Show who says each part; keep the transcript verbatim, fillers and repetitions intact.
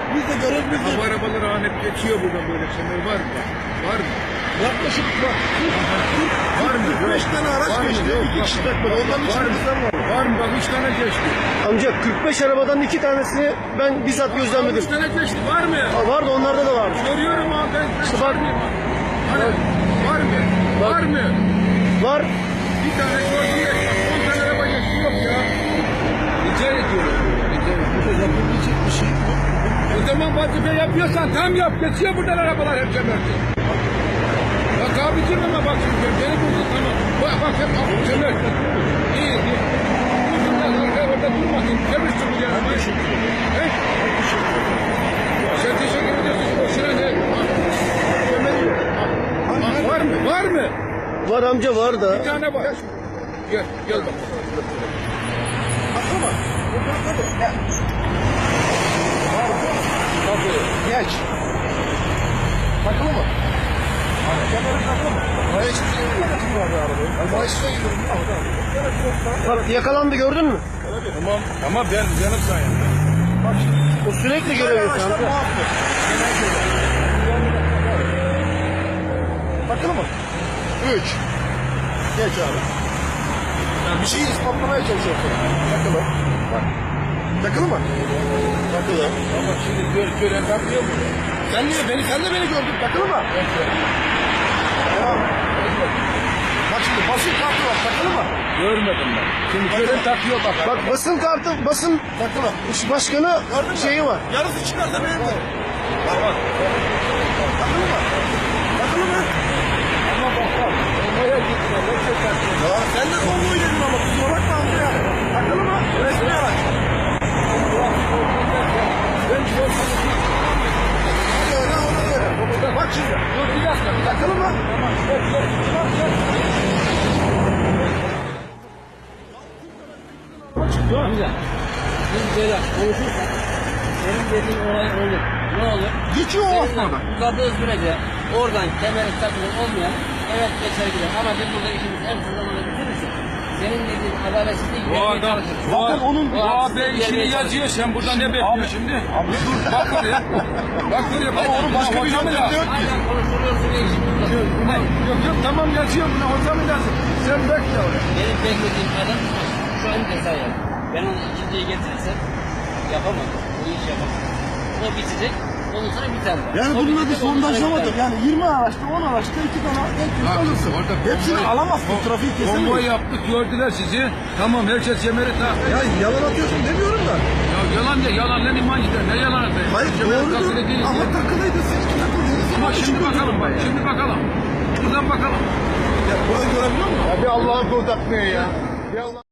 Speaker 1: Biz de görevimiz
Speaker 2: Bu arabalar ahmet geçiyor buradan böyle kemer var mı? Var mı?
Speaker 1: yaklaşık var.
Speaker 2: Var mı?
Speaker 1: kırk beş tane araç
Speaker 2: Var mı?
Speaker 1: geçti.
Speaker 2: Yok,
Speaker 1: iki
Speaker 2: bak.
Speaker 1: kişi takmadı. Onların
Speaker 2: Var mı?
Speaker 1: içinde var.
Speaker 2: Var mı? Bak üç tane geçti.
Speaker 3: Amca kırk beş arabadan iki tanesini ben bizzat gözlemledim.
Speaker 2: Üç tane geçti. Var mı?
Speaker 3: Aa, vardı, onlarda da vardı.
Speaker 2: Görüyorum abi ben. ben
Speaker 3: İşte bak.
Speaker 2: Hani, var mı?
Speaker 3: Bak.
Speaker 2: Var mı?
Speaker 3: Var.
Speaker 2: Bir tane gördüm de on tane araba geçti yok ya. Rica ediyorum. Rica ediyorum.
Speaker 1: Burada yapılabilecek bir şey yok.
Speaker 2: O zaman vazife yapıyorsan tam yap. Geçiyor buradan arabalar hep kemerdi. Bak abicim ama bak şimdi beni buldun tamam. Bak bak hep abi kemer. İyi iyi. Bundan sonra orada durmasın. Kemer çıkıyor yani. He? Sen teşekkür ediyorsun. Boşuna ne? Kemer yok. Var mı? Var mı?
Speaker 3: Var amca, var da.
Speaker 2: Bir tane var. Gel, gel bak.
Speaker 1: Bakma. Buradan tabii. Gel. Geç. Takılı mı? Kemerin takılı mı? Hayır, hiçbir şey yok. Ama işte
Speaker 3: Bak yakalandı, gördün mü?
Speaker 2: Tamam. Ama ben canım sayın.
Speaker 1: bak şimdi.
Speaker 3: O sürekli görev yapıyor
Speaker 1: Araçlar
Speaker 3: amca.
Speaker 1: muhakkak. Genel görev. Takılı mı? Üç. Geç abi. Yani bir şeyi ispatlamaya çalışıyorsun. Takılı. Bak. Takılı mı? Takılı.
Speaker 2: Ama şimdi gör, gören takmıyor mu?
Speaker 1: Sen niye beni, sen de beni gördün. Takılı mı? Tamam. Bak şimdi basın kartı var. Takılı mı?
Speaker 2: Görmedim ben. Şimdi gören takıyor bak.
Speaker 3: Bak basın kartı, basın
Speaker 1: Takılı.
Speaker 3: iş başkanı
Speaker 1: Gördün mü?
Speaker 3: şeyi var.
Speaker 1: Yarısı çıkarsa benim de. Bak bak. Takılı mı? Takılı mı?
Speaker 2: Ama bak bak. Olmaya gittiler. Yoksa takıyor.
Speaker 1: Ya sen de konvoy dedin ama kusura bakma amca ya. Takılı mı? Resmi araç.
Speaker 2: Ben sormadım.
Speaker 1: Hadi öyle ona göre. Bak şimdi.
Speaker 2: Dur bir dakika. Bir dakika.
Speaker 1: Takılı mı?
Speaker 2: Tamam. Gel gel. Bak gel.
Speaker 4: Amca, biz böyle konuşursak senin dediğin olay olur. Ne olur?
Speaker 1: Geçiyor o
Speaker 4: Seninle
Speaker 1: aslında.
Speaker 4: uzadığı sürece oradan kemerin takılı olmayan evet geçer gider. Ama biz burada işimizi en kısa zamanda bitirirsek senin dediğin adaletsizliği
Speaker 2: Bu
Speaker 4: gidermeye
Speaker 2: adam,
Speaker 4: çalışırız.
Speaker 2: bu,
Speaker 1: Zaten onun-
Speaker 2: bu abi işini yazıyor. Sen burada ne bekliyorsun şimdi? Abi dur bak oraya. Bak oraya. Bak
Speaker 1: Onu başka bir
Speaker 2: hocam
Speaker 1: yöntem
Speaker 2: lazım.
Speaker 1: diyor ki.
Speaker 4: Aynen konuşuluyorsun ve işimiz
Speaker 2: Yok
Speaker 4: uzatıyor.
Speaker 2: yok yok tamam yazıyor buna hocam lazım. Sen bekle oraya.
Speaker 4: Benim beklediğim adam şu an ceza yer. Ben onu ikinciye getirirsem yapamam. Bu iş yapamam. O bitecek. Ondan sonra biter.
Speaker 1: Yani
Speaker 4: O
Speaker 1: bunun adı
Speaker 4: bitecek, ondan sonra
Speaker 1: sondajlamadır.
Speaker 4: biter.
Speaker 1: Yani yirmi araçta on araçta iki tane belki
Speaker 2: Bak,
Speaker 1: alırsın.
Speaker 2: orada
Speaker 1: Hepsini
Speaker 2: konvoy-
Speaker 1: alamazsın. Trafiği
Speaker 2: Konvoy
Speaker 1: kesemeyiz.
Speaker 2: yaptık gördüler sizi. Tamam herkes yemeri tak.
Speaker 1: Ya yalan atıyorsun demiyorum da.
Speaker 2: Ya yalan ya yalan lan iman gider. Ne yalan atayım?
Speaker 1: Hayır
Speaker 2: Kemer takılı
Speaker 1: doğrudur.
Speaker 2: değil
Speaker 1: Ama
Speaker 2: diye.
Speaker 1: takılıydı. Siz takıldınız.
Speaker 2: Ama şimdi bakalım bak. Şimdi bakalım. Buradan bakalım.
Speaker 1: Ya burada görebiliyor musun?
Speaker 2: Ya bir Allah'ın kulu takmıyor ya. Bir Allah